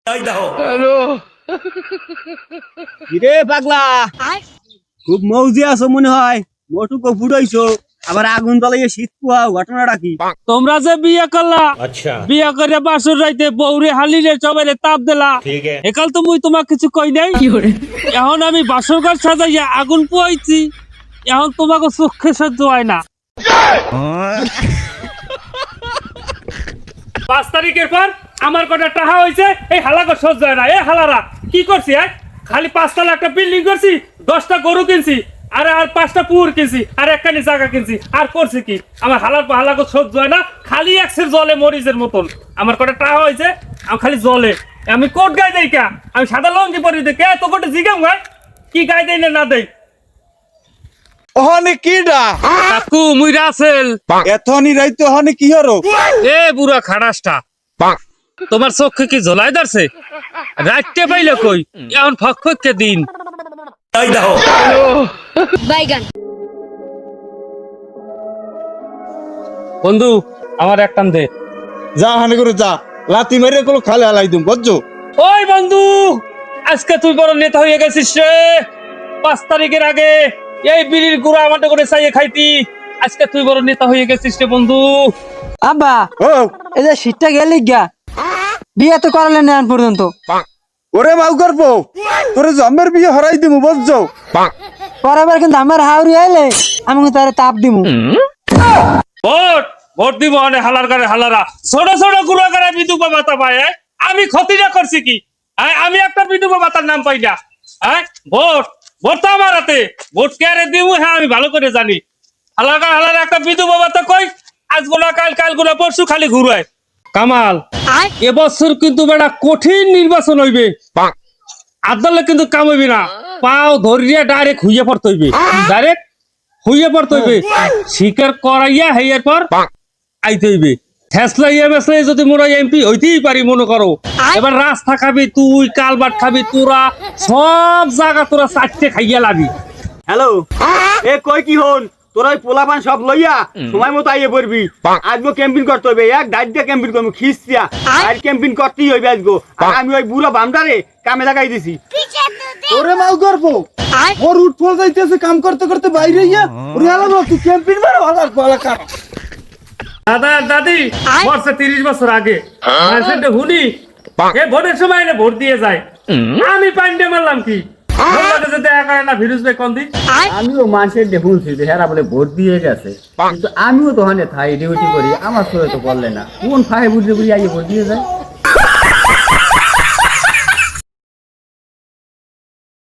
Hello কিরে পাগলা খুব মৌজি আছো মনে হয় মোটুকো ফুটাইছো আবার আগুন জ্বালাইয়ে শীত পোহাও ঘটনাটা কি? তোমরা যে বিয়ে করলা বিয়ে করে বাসুর রাইতে বউরে হালিরে সবাইরে তাপ দিলা একাল তো মুই তোমাক কিছু কই নাই। এখন আমি বাসর ঘর সাজাইয়া আগুন পোয়াইছি, এখন তোমাকে চোখে সহ্য হয় না। 5 তারিখের পর আমার কটা টাকা হয়েছে, এই হালাকে সহ্য হয় না। এই হালারা কি করছি? খালি 5 তলা একটা বিল্ডিং করছি, 10টা গরু কিনছি, আর 5টা পুকুর কিনছি, আর একখানি জায়গা কিনছি, আর করছি কি? আমার হালাকে সহ্য হয় না। খালি একসের জলে মরিচের মতন আমার কটা টাকা হয়েছে, আমি খালি জলে আমি কোট গায়ে দেই কা? আমি সাদা লঙ্গি পরি দে কে তো কোটে জিগাম গায় কি গায়ে দেই না দেই? ওহনে কিডা কাকু মুই রাসেল। এথনি রাইতে ওহনে কি হরো? এ বুড়া খাড়াসটা, তোমার চোখে কি জ্বলাই ধরছে? রাইতে পাইলে কই এখন ফকফকে দিন। বাইগান বন্ধু আমার একটান দে। যা হানে করে যা, লাতি মেরে গুলো খালে হালাই দিম বুঝছো? ওই বন্ধু, আজকে তুই বড় নেতা হয়ে গেছিস রে। 5 তারিখের আগে এই বিড়ির গুড়া আমাদের করে চাইয়ে খাইতি, আজকে তুই বড় নেতা হয়ে গেছিস রে বন্ধু। আব্বা ও এই যে শীতটা গেলি গা বিয়ে তো করালেন না এখন পর্যন্ত। ওরে মাউ করবো তোরে জমের বিয়ে হরাই দিমু বুঝছো? পরের কিন্তু আমার হাওড়ি আইলে আমি কিন্তু তারে তাপ দিমু। ভোট ভোট দিব অনে হালার গারে হালারা ছোট ছোট গুড়া গারে বিধবা ভাতা পায়। আমি ক্ষতিটা করছি কি? আমি একটা বিধবা ভাতার নাম পাই না। ভোট ভোট তো আমার হাতে, ভোট কে আরে দিব? হ্যাঁ আমি ভালো করে জানি। হালার একটা বিধবা ভাতা কই? আজ গোনা কাল গোনা পরশু খালি ঘুরায়। কামাল এবছর কিন্তু বেটা কঠিন নির্বাচন হইবে, আদালত কিন্তু কাম হইবে না। পাও ধরিয়া ডাইরেক্ট হইয়া পড়তে হইবে, ডাইরেক্ট হইয়া পড়তে হইবে। স্বীকার করাইয়া হেয়ার পর আইতে হইবে। ফেসলাইয়া মেসলাই যদি মোরা এমপি হইতেই পারি মনে করো, এবার রাস্তা খাবি তুই, কালবাট খাবি তোরা, সব জায়গা তোরা চারটে খাইয়া লাবি। হ্যালো এ কই কি হন তোরা ওই পোলাপান সব লইয়া সময় মতো আইয়ে পড়বি। আজগো ক্যাম্পিং করতে হইবে, এক ডাইট দিয়ে ক্যাম্পিং করবো খিস্তিয়া আর ক্যাম্পিং করতেই হইবে আজগো। আর আমি ওই বুড়া বামটারে কামে লাগাই দিছি। ওরে মাউ করবো ওর উঠ ফল যাইতেছে কাম করতে করতে বাইরে ইয়া ওরে আলাদা তুই ক্যাম্পিং মারো আলাদা গলা কাট। দাদা দাদি বর্ষে 30 বছর আগে হুনি এ ভোটের সময় এনে ভোট দিয়ে যায়। আমি পান্ডে মারলাম কি? আমিও মানুষের শুনছি যে হেরা বলে ভোট দিয়ে গেছে, কিন্তু আমিও তো হানে থাই ডিউটি করি, আমার সঙ্গে তো বললে না কোন ফাই বুঝে বুঝে আইয়ে ভোট দিয়ে যায়।